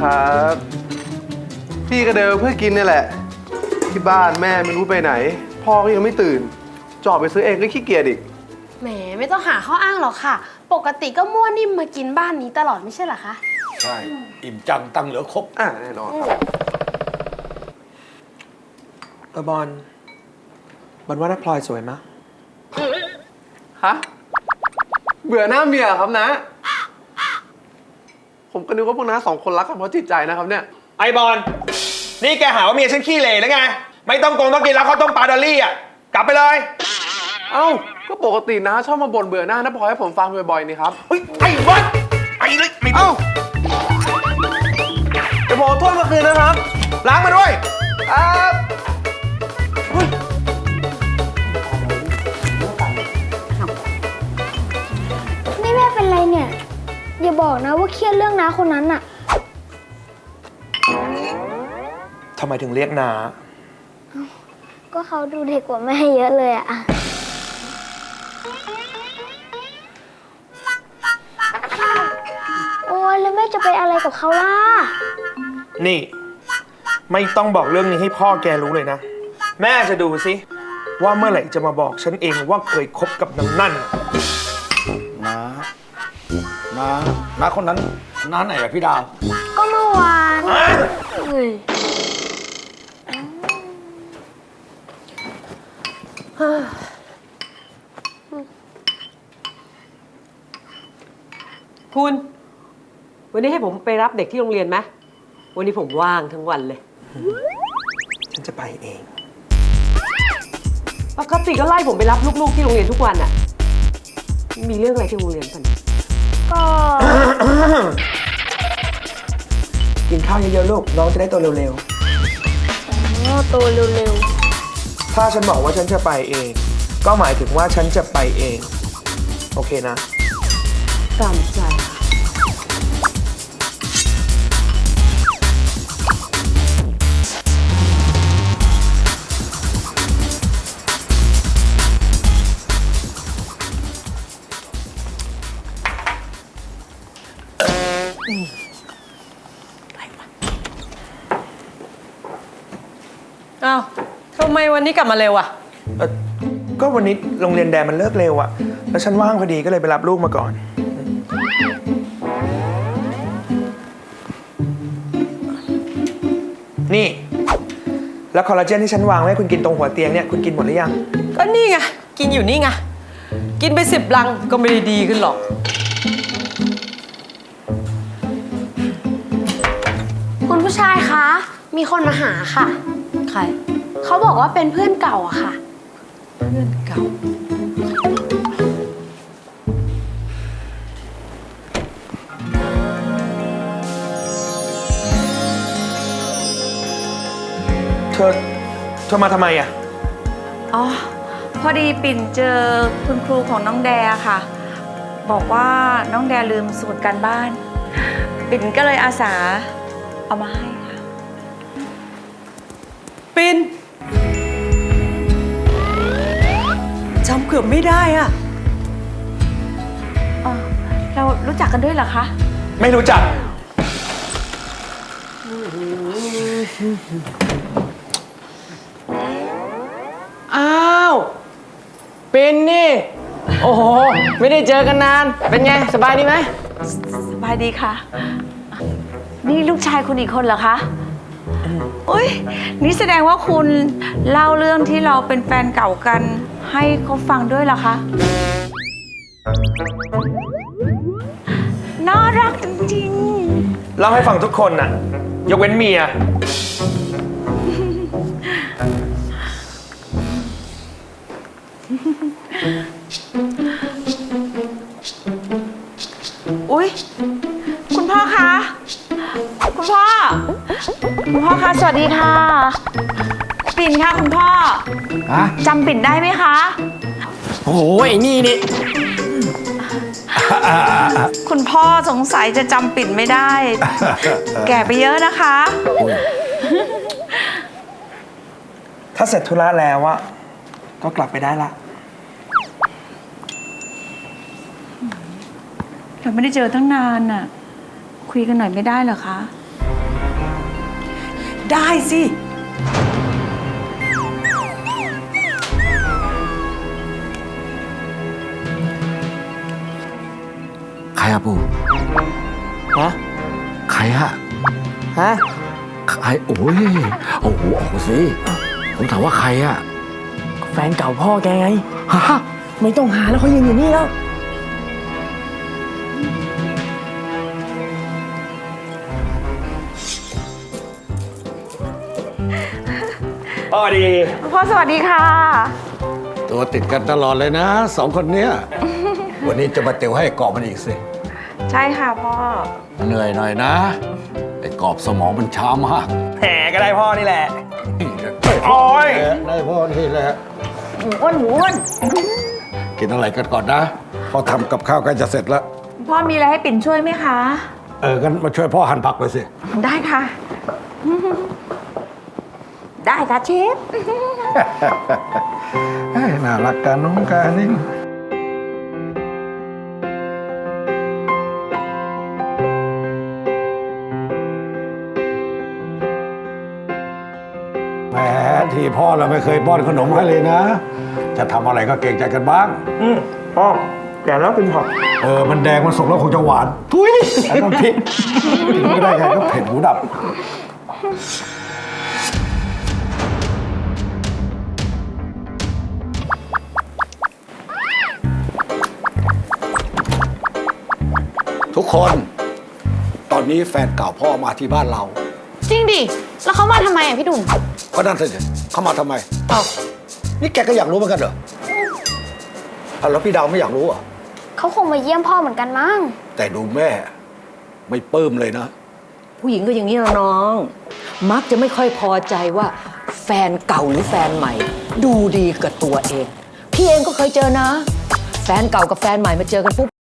ครับพี่ก็เดินเพื่อกินนี่แหละที่บ้านแม่ไม่รู้ไปไหนพ่อก็ยังไม่ตื่นจอดไปซื้อเองก็ขี้เกียจอีกแหมไม่ต้องหาข้ออ้างหรอกค่ะปกติก็มั่วนิ่มมากินบ้านนี้ตลอดไม่ใช่เหรอคะใช่อิ่มจังตังเหลือครบแน่นอนบอลว่าน้าพลอยสวยมั้ยฮะเบื่อหน้าเมียครับนะผมก็นึกว่าพวกน้าสองคนรักกันเพราะจิตใจนะครับเนี่ยไอบอลนี่แกหาว่าเมียฉันขี้เหร่แล้วไงไม่ต้องกินแล้วเขาวต้มปลาดอลลี่อ่ะกลับไปเลยเอ้าก็ปกติน้าชอบมาบ่นเบื่อหน้าน้าพลอยให้ผมฟังบ่อยๆนี่ครับไอ้บอลไอ้เลยไม่เอาเดี๋ยวผมโทษมาคืนนะครับล้างมาด้วยครับนี่แม่เป็นไรเนี่ยอย่าบอกนะว่าเครียดเรื่องน้าคนนั้นน่ะทำไมถึงเรียกน้าก็เขาดูเด็กกว่าแม่เยอะเลยอะโอ้ยแล้วแม่จะไปอะไรกับเขาล่ะนี่ไม่ต้องบอกเรื่องนี้ให้พ่อแกรู้เลยนะแม่จะดูสิว่าเมื่อไหร่จะมาบอกฉันเองว่าเคยคบกับนางนั่นน้าคนนั้นน้าไหนอะพี่ดาวก็เมื่อวานคุณวันนี้ให้ผมไปรับเด็กที่โรงเรียนไหมวันนี้ผมว่างทั้งวันเลยฉันจะไปเองปกติก็ไล่ผมไปรับลูกๆที่โรงเรียนทุกวันอะมีเรื่องอะไรที่โรงเรียนกันก็กินข้าวเยอะๆลูกน้องจะได้โตเร็วๆโตเร็วๆถ้าฉันบอกว่าฉันจะไปเองก็หมายถึงว่าฉันจะไปเองโอเคนะตามใจอ้าวทำไมวันนี้กลับมาเร็วอ่ะก็วันนี้โรงเรียนแดนมันเลิกเร็วอ่ะแล้วฉันว่างพอดีก็เลยไปรับลูกมาก่อนนี่แล้วคอลลาเจนที่ฉันวางไว้ให้คุณกินตรงหัวเตียงเนี่ยคุณกินหมดหรือยังก็นี่ไงกินอยู่นี่ไงกินไป10 ลังก็ไม่ได้ดีขึ้นหรอกคุณผู้ชายคะมีคนมาหาค่ะใครเขาบอกว่าเป็นเพื่อนเก่าอะค่ะเพื่อนเก่าเธอมาทำไมอ่ะอ๋อพอดีปิ่นเจอคุณครูของน้องแดค่ะบอกว่าน้องแดลืมสมุดการบ้านปิ่นก็เลยอาสาเอามาให้ค่ะปิ่นจำเกือบไม่ได้อ่ะเรารู้จักกันด้วยเหรอคะไม่รู้จักอ้าวเป็นนี่โอ้โหไม่ได้เจอกันนานเป็นไงสบายดีไหมสบายดีค่ะนี่ลูกชายคุณอีกคนเหรอคะอุ้ยนี่แสดงว่าคุณเล่าเรื่องที่เราเป็นแฟนเก่ากันให้เขาฟังด้วยเหรอคะน่ารักจริงๆเล่าให้ฟังทุกคนน่ะยกเว้นเมียอุ๊ยคุณพ่อคะคุณพ่อคะสวัสดีค่ะปิ่นค่ะคุณพ่อจำปิ่นได้ไหมคะโอ้โหไอ้นี่คุณพ่อสงสัยจะจำปิ่นไม่ได้ แก่ไปเยอะนะคะถ้าเสร็จธุระแล้วอะก็กลับไปได้ละเราไม่ได้เจอตั้งนานน่ะคุยกันหน่อยไม่ได้เหรอคะได้สิใครอะปู่ฮะใครอะฮะใครโอ้ยโอ้โหออกสิผมถามว่าใครอะแฟนเก่าพ่อแกไง ฮะ ไม่ต้องหาแล้วเขายืนอยู่นี่แล้วพ่อดีพ่อสวัสดีค่ะตัวติดกันตลอดเลยนะสองคนเนี้ย วันนี้จะมาเตียวให้กรอบมันอีกสิใช่ค่ะพ่อเหนื่อยหน่อยนะไอ้กรอบสมองมันช้ามากแหมก็ได้พ่อนี่แหละโอ้ยได้พ่อนี่แหละอ้วนหมูอ้วนกินอะไรกันก่อนนะพ่อทำกับข้าวใกล้จะเสร็จแล้วพ่อมีอะไรให้ปิ่นช่วยไหมคะงั้นมาช่วยพ่อหั่นผักไปสิได้ค่ะ ได้ค่ะเชฟน่ารักกันน้องกานิ่งแหมที่พ่อเราไม่เคยป้อนขนมให้เลยนะ จะทำอะไรก็เกรงใจกันบ้างพ่อแก่แล้วกินผักมันแดงมันสุกแล้วคงจะหวาน ทุยไอ้น้ำพริกกินไม่ได้ไงก็เผ็ดหูดับ ทุกคน ตอนนี้แฟนเก่าพ่อมาที่บ้านเราจริงดิ แล้วเขามาทำไมอ่ะพี่ดุ่มก็นั่นสิเขามาทำไมอ้าวนี่แกก็อยากรู้เหมือนกันเหรอแล้วพี่ดาวไม่อยากรู้อ่ะเขาคงมาเยี่ยมพ่อเหมือนกันมั้งแต่ดูแม่ ไม่ปลื้มเลยนะผู้หญิงก็อย่างนี้นะน้อง มักจะไม่ค่อยพอใจว่าแฟนเก่าหรือแฟนใหม่ ดูดีกับตัวเอง พี่เองก็เคยเจอนะ แฟนเก่ากับแฟนใหม่มาเจอกันปุ๊บ